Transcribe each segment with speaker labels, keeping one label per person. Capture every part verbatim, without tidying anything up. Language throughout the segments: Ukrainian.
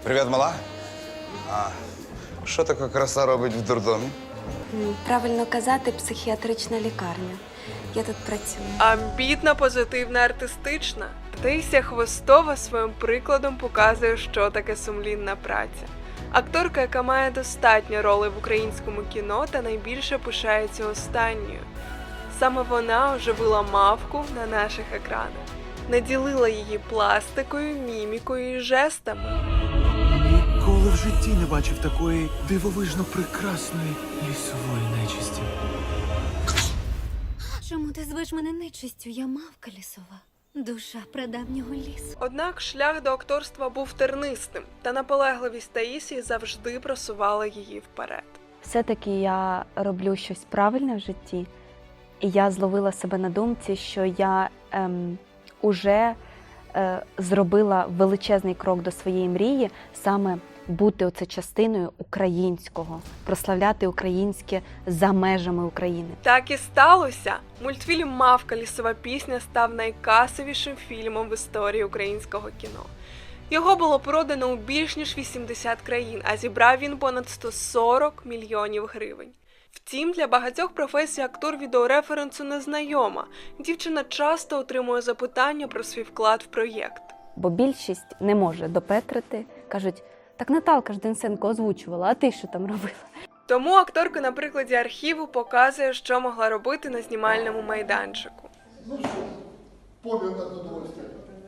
Speaker 1: Привіт, мала. А що така краса робить в дурдомі?
Speaker 2: М, Правильно казати, психіатрична лікарня. Я тут працюю.
Speaker 3: Амбітна, позитивна, артистична. Таїсія Хвостова своїм прикладом показує, що таке сумлінна праця. Акторка, яка має достатньо ролей в українському кіно та найбільше пишається останньою. Саме вона оживила мавку на наших екранах, наділила її пластикою, мімікою і жестами.
Speaker 4: Ніколи в житті не бачив такої дивовижно прекрасної лісової нечисті.
Speaker 5: Чому ти звеш мене нечистю? Я мавка лісова. Душа прадавнього лісу.
Speaker 3: Однак шлях до акторства був тернистим, та наполегливість Таїсії завжди просувала її вперед.
Speaker 2: Все-таки я роблю щось правильне в житті, і я зловила себе на думці, що я ем, уже е, зробила величезний крок до своєї мрії, саме бути оце частиною українського, прославляти українське за межами України.
Speaker 3: Так і сталося. Мультфільм «Мавка. Лісова пісня» став найкасовішим фільмом в історії українського кіно. Його було продано у більш ніж вісімдесят країн, а зібрав він понад сто сорок мільйонів гривень. Втім, для багатьох професій актор відеореференсу не знайома. Дівчина часто отримує запитання про свій вклад в проєкт.
Speaker 2: Бо більшість не може допетрити, кажуть, так Наталка ж Денисенко озвучувала, а ти що там робила?
Speaker 3: Тому акторка на прикладі архіву показує, що могла робити на знімальному майданчику.
Speaker 6: Ну что, помер от удовольствия.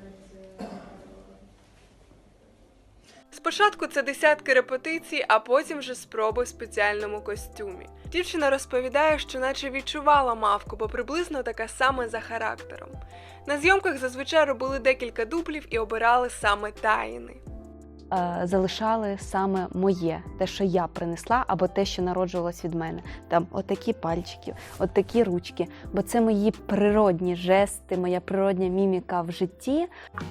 Speaker 3: Спочатку це десятки репетицій, а потім вже спроби в спеціальному костюмі. Дівчина розповідає, що наче відчувала мавку, бо приблизно така сама за характером. На зйомках зазвичай робили декілька дублів і обирали саме таїни.
Speaker 2: Е, залишали саме моє, те, що я принесла, або те, що народжувалось від мене. Там отакі пальчики, отакі ручки, бо це мої природні жести, моя природня міміка в житті.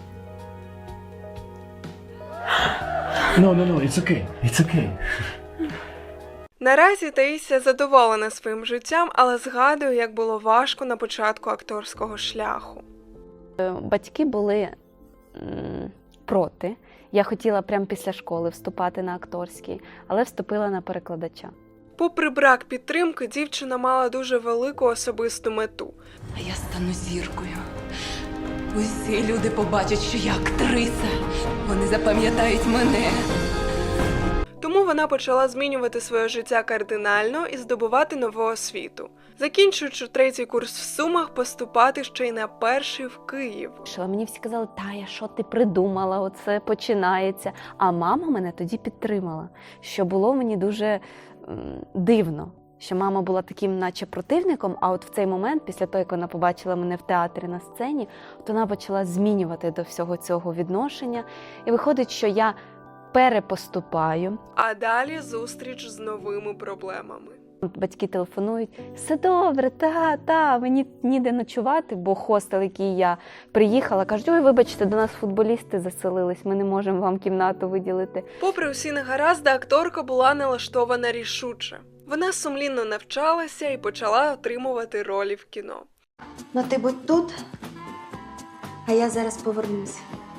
Speaker 4: No, no, no, it's okay, it's okay.
Speaker 3: Наразі Таїсія задоволена своїм життям, але згадує, як було важко на початку акторського шляху.
Speaker 2: Е, Батьки були м, проти. Я хотіла прямо після школи вступати на акторський, але вступила на перекладача.
Speaker 3: Попри брак підтримки, дівчина мала дуже велику особисту мету.
Speaker 7: А я стану зіркою. Усі люди побачать, що я актриса. Вони запам'ятають мене.
Speaker 3: Тому вона почала змінювати своє життя кардинально і здобувати нову освіту. Закінчуючи третій курс в Сумах, поступати ще й на перший в Київ.
Speaker 2: Що мені всі казали, Тая, що ти придумала, оце починається. А мама мене тоді підтримала, що було мені дуже м, дивно. Що мама була таким наче противником, а от в цей момент, після того, як вона побачила мене в театрі на сцені, то вона почала змінювати до всього цього відношення. І виходить, що я перепоступаю.
Speaker 3: А далі зустріч з новими проблемами.
Speaker 2: Батьки телефонують, все добре, та, та, мені ніде ночувати, бо хостел, який я приїхала, кажуть, ой, вибачте, до нас футболісти заселились, ми не можемо вам кімнату виділити.
Speaker 3: Попри усі негаразди, акторка була налаштована рішуче. Вона сумлінно навчалася і почала отримувати ролі в кіно.
Speaker 2: Ну ти будь тут, а я зараз повернуся.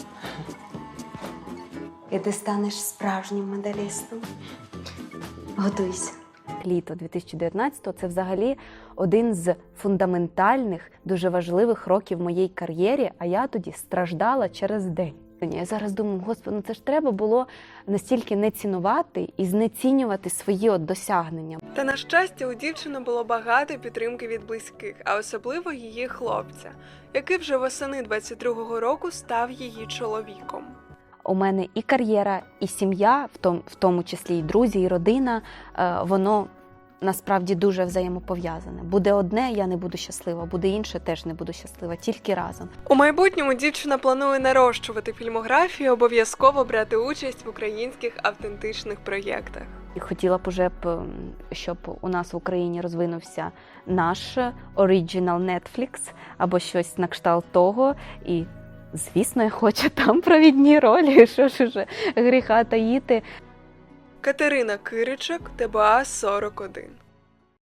Speaker 2: І ти станеш справжнім медалістом. Готуйся. Літо дві тисячі дев'ятнадцятого – це взагалі один з фундаментальних, дуже важливих років в моїй кар'єрі, а я тоді страждала через день. Я зараз думаю, господи, ну це ж треба було настільки не цінувати і знецінювати свої от досягнення.
Speaker 3: Та, на щастя, у дівчини було багато підтримки від близьких, а особливо її хлопця, який вже восени двадцять другого року став її чоловіком.
Speaker 2: У мене і кар'єра, і сім'я, в тому, в тому числі і друзі, і родина, воно насправді дуже взаємопов'язане. Буде одне, я не буду щаслива, буде інше, теж не буду щаслива, тільки разом.
Speaker 3: У майбутньому дівчина планує нарощувати фільмографію і обов'язково брати участь в українських автентичних проєктах.
Speaker 2: І хотіла б уже, щоб у нас в Україні розвинувся наш оригінал Netflix, або щось на кшталт того, і звісно, я хочу там провідні ролі, що ж уже гріха таїти.
Speaker 3: Катерина Киричок, ТБА сорок один.